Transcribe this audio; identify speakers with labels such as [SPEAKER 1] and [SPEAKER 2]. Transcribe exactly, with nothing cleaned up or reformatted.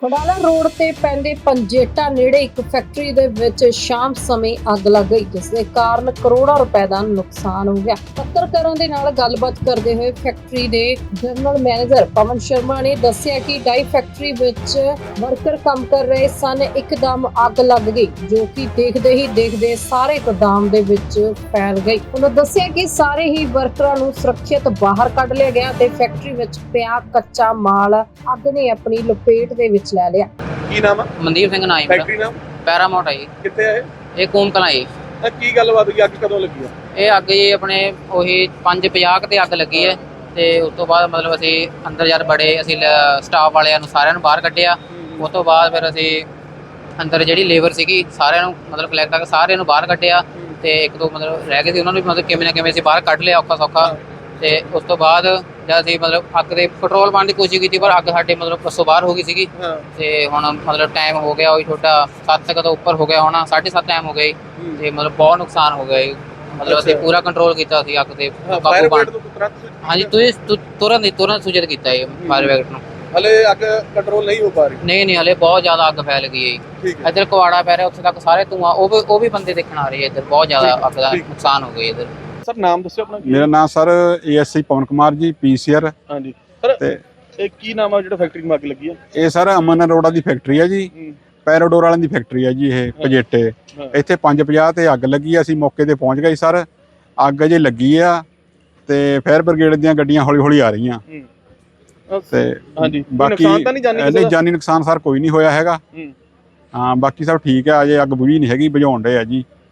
[SPEAKER 1] ਖਡਾਲਾ road ਤੇ ਪੈਂਦੇ ਪੰਜੇਟਾ ਨੇੜੇ ਇੱਕ ਫੈਕਟਰੀ ਦੇ ਵਿੱਚ ਸ਼ਾਮ ਸਮੇਂ ਅੱਗ ਲੱਗ ਗਈ, ਜਿਸ ਦੇ ਕਾਰਨ ਕਰੋੜਾਂ ਰੁਪਏ ਦਾ ਨੁਕਸਾਨ ਹੋ ਗਿਆ। ਪੱਤਰਕਾਰਾਂ ਦੇ ਨਾਲ ਗੱਲਬਾਤ ਕਰਦੇ ਹੋਏ ਫੈਕਟਰੀ ਦੇ ਜਨਰਲ ਮੈਨੇਜਰ ਪਵਨ ਸ਼ਰਮਾ ਨੇ ਦੱਸਿਆ ਕਿ ਡਾਈ ਫੈਕਟਰੀ ਵਿੱਚ ਵਰਕਰ ਕੰਮ ਕਰ ਰਹੇ ਸਨ। ਇੱਕਦਮ ਅੱਗ ਲੱਗ ਗਈ, ਜੋ ਕਿ ਦੇਖਦੇ ਹੀ ਦੇਖਦੇ ਸਾਰੇ ਗੋਦਾਮ ਦੇ ਵਿੱਚ ਫੈਲ ਗਈ। ਉਹਨਾਂ ਦੱਸਿਆ ਕਿ ਸਾਰੇ ਹੀ ਵਰਕਰਾਂ ਨੂੰ ਸੁਰੱਖਿਅਤ ਬਾਹਰ ਕੱਢ ਲਿਆ ਗਿਆ ਤੇ ਫੈਕਟਰੀ ਵਿੱਚ ਪਿਆ ਕੱਚਾ ਮਾਲ ਅੱਗ ਨੇ ਆਪਣੀ ਲਪੇਟ ਦੇ ਵਿੱਚ ਲੈ ਲਿਆ।
[SPEAKER 2] ਕੀ ਨਾਮ ਆ?
[SPEAKER 3] ਮਨਦੀਪ ਸਿੰਘ ਨਾਮ ਹੈ।
[SPEAKER 2] ਫੈਕਟਰੀ ਨਾਮ
[SPEAKER 3] ਪੈਰਾਮਾਊਂਟ ਹੈ ਜੀ।
[SPEAKER 2] ਕਿੱਥੇ ਹੈ
[SPEAKER 3] ਇਹ ਕੂਮ ਕਲਾਂ ਜੀ।
[SPEAKER 2] ਇਹ ਕੀ ਗੱਲਬਾਤ ਹੋਈ? ਅੱਗ ਕਦੋਂ ਲੱਗੀ ਆ?
[SPEAKER 3] ਇਹ ਅੱਗ ਜੀ ਆਪਣੇ ਉਹੀ ਪੰਜ ਪੰਜਾਹ ਤੇ ਅੱਗ ਲੱਗੀ ਹੈ ਤੇ ਉਸ ਤੋਂ ਬਾਅਦ ਮਤਲਬ ਅਸੀਂ ਅੰਦਰ ਜਦ ਬੜੇ ਅਸੀਂ ਸਟਾਫ ਵਾਲਿਆਂ ਨੂੰ ਸਾਰਿਆਂ ਨੂੰ ਬਾਹਰ ਕੱਢਿਆ। ਉਸ ਤੋਂ ਬਾਅਦ ਫਿਰ ਅਸੀਂ ਅੰਦਰ ਜਿਹੜੀ ਲੇਬਰ ਸੀਗੀ ਸਾਰਿਆਂ ਨੂੰ ਮਤਲਬ ਕਲੈਕਟ ਕਰਕੇ ਸਾਰਿਆਂ ਨੂੰ ਬਾਹਰ ਕੱਢਿਆ ਤੇ ਇੱਕ ਦੋ ਮਤਲਬ ਰਹਿ ਗਏ ਸੀ ਉਹਨਾਂ ਨੂੰ ਵੀ ਮਤਲਬ ਕਿਵੇਂ ਨਾ ਕਿਵੇਂ ਅਸੀਂ ਬਾਹਰ ਕੱਢ ਲਿਆ ਔਖਾ ਸੌਖਾ। ਤੇ ਉਸ ਤੋਂ ਬਾਅਦ ਜਦ ਅਸੀਂ ਮਤਲਬ ਅੱਗ ਦੇ ਕੰਟਰੋਲ ਪਾਉਣ ਦੀ ਕੋਸ਼ਿਸ਼ ਕੀਤੀ, ਪਰ ਅੱਗ ਸਾਡੇ ਮਤਲਬ ਬੱਸੋਂ ਬਾਹਰ ਹੋ ਗਈ ਸੀਗੀ। ਤੇ ਹੁਣ ਮਤਲਬ ਟਾਈਮ ਹੋ ਗਿਆ ਉਹੀ ਛੋਟਾ ਸੱਤ ਤੱਕ ਤੋਂ ਉੱਪਰ ਹੋ ਗਿਆ ਹੋਣਾ, ਸਾਢੇ ਸੱਤ ਟਾਈਮ ਹੋ ਗਈ ਤੇ ਮਤਲਬ ਬਹੁਤ ਨੁਕਸਾਨ ਹੋ ਗਿਆ। ਮਤਲਬ ਅਸੀਂ ਪੂਰਾ ਕੰਟਰੋਲ ਕੀਤਾ ਸੀ ਅੱਗ ਤੇ ਕਾਬੂ ਪਾਉਣ। ਹਾਂਜੀ, ਤੁਸੀਂ ਤੁਰੰਤ ਤੁਰੰਤ ਸੂਚਿਤ ਕੀਤਾ ਇਹ ਫਾਇਰ ਬ੍ਰਿਗੇਡ ਨੂੰ।
[SPEAKER 2] ਹਲੇ ਅੱਗ ਕੰਟਰੋਲ ਨਹੀਂ ਹੋ ਪਾ ਰਹੀ?
[SPEAKER 3] ਨਹੀਂ ਨਹੀਂ ਹਲੇ ਬਹੁਤ ਜ਼ਿਆਦਾ ਅੱਗ ਫੈਲ ਗਈ ਹੈ। ਇੱਧਰ ਕੁਆੜਾ ਪੈ ਰਿਹਾ, ਉੱਥੇ ਤੱਕ ਸਾਰੇ ਧੂਆਂ ਉਹ ਵੀ ਉਹ ਵੀ ਬੰਦੇ ਦੇਖਣ ਆ ਰਹੇ ਆ। ਇੱਧਰ ਬਹੁਤ ਜ਼ਿਆਦਾ ਅੱਗ ਦਾ ਨੁਕਸਾਨ ਹੋ ਗਿਆ। ਇੱਧਰ
[SPEAKER 2] ਸਰ ਨਾਮ ਦੱਸਿਓ ਆਪਣਾ।
[SPEAKER 4] ਮੇਰਾ ਨਾਮ ਸਰ ਏਐਸਆਈ ਪਵਨ ਕੁਮਾਰ ਜੀ, ਪੀਸੀਆਰ।
[SPEAKER 2] ਹਾਂਜੀ ਸਰ,
[SPEAKER 4] ਤੇ
[SPEAKER 2] ਇਹ ਕੀ ਨਾਮ ਆ ਜਿਹੜਾ ਫੈਕਟਰੀ ਨੂੰ ਅੱਗ ਲੱਗੀ ਆ?
[SPEAKER 4] ਇਹ ਸਰ ਅਮਨ ਅਰੋੜਾ ਦੀ ਫੈਕਟਰੀ ਹੈ ਜੀ, ਪੈਰਾਡੋਰ ਵਾਲਿਆਂ ਦੀ ਫੈਕਟਰੀ ਹੈ ਜੀ। ਇਹ ਪੰਜੇਟੇ ਇੱਥੇ ਪੰਜ ਪੰਜਾਹ ਤੇ ਅੱਗ ਲੱਗੀ। ਅਸੀਂ ਮੌਕੇ ਤੇ ਪਹੁੰਚ ਗਏ ਸਰ। ਅੱਗ ਅਜੇ ਲੱਗੀ ਆ ਤੇ ਫਾਇਰ ਬ੍ਰਿਗੇਡ ਦੀਆਂ ਗੱਡੀਆਂ ਹੌਲੀ ਹੌਲੀ ਆ ਰਹੀਆਂ ਤੇ
[SPEAKER 2] ਹਾਂਜੀ
[SPEAKER 4] ਬਾਕੀ
[SPEAKER 2] ਨੁਕਸਾਨ ਤਾਂ ਨਹੀਂ ਜਾਨੀ?
[SPEAKER 4] ਨਹੀਂ ਜਾਨੀ ਨੁਕਸਾਨ ਸਰ ਕੋਈ ਨਹੀਂ ਹੋਇਆ ਹੈਗਾ। ਹਾਂ ਬਾਕੀ ਸਭ ਠੀਕ ਹੈ। ਅਜੇ ਅੱਗ ਬੁਝੀ ਨਹੀਂ ਹੈਗੀ, ਬੁਝਾਉਣ ਦੇ ਆ ਜੀ।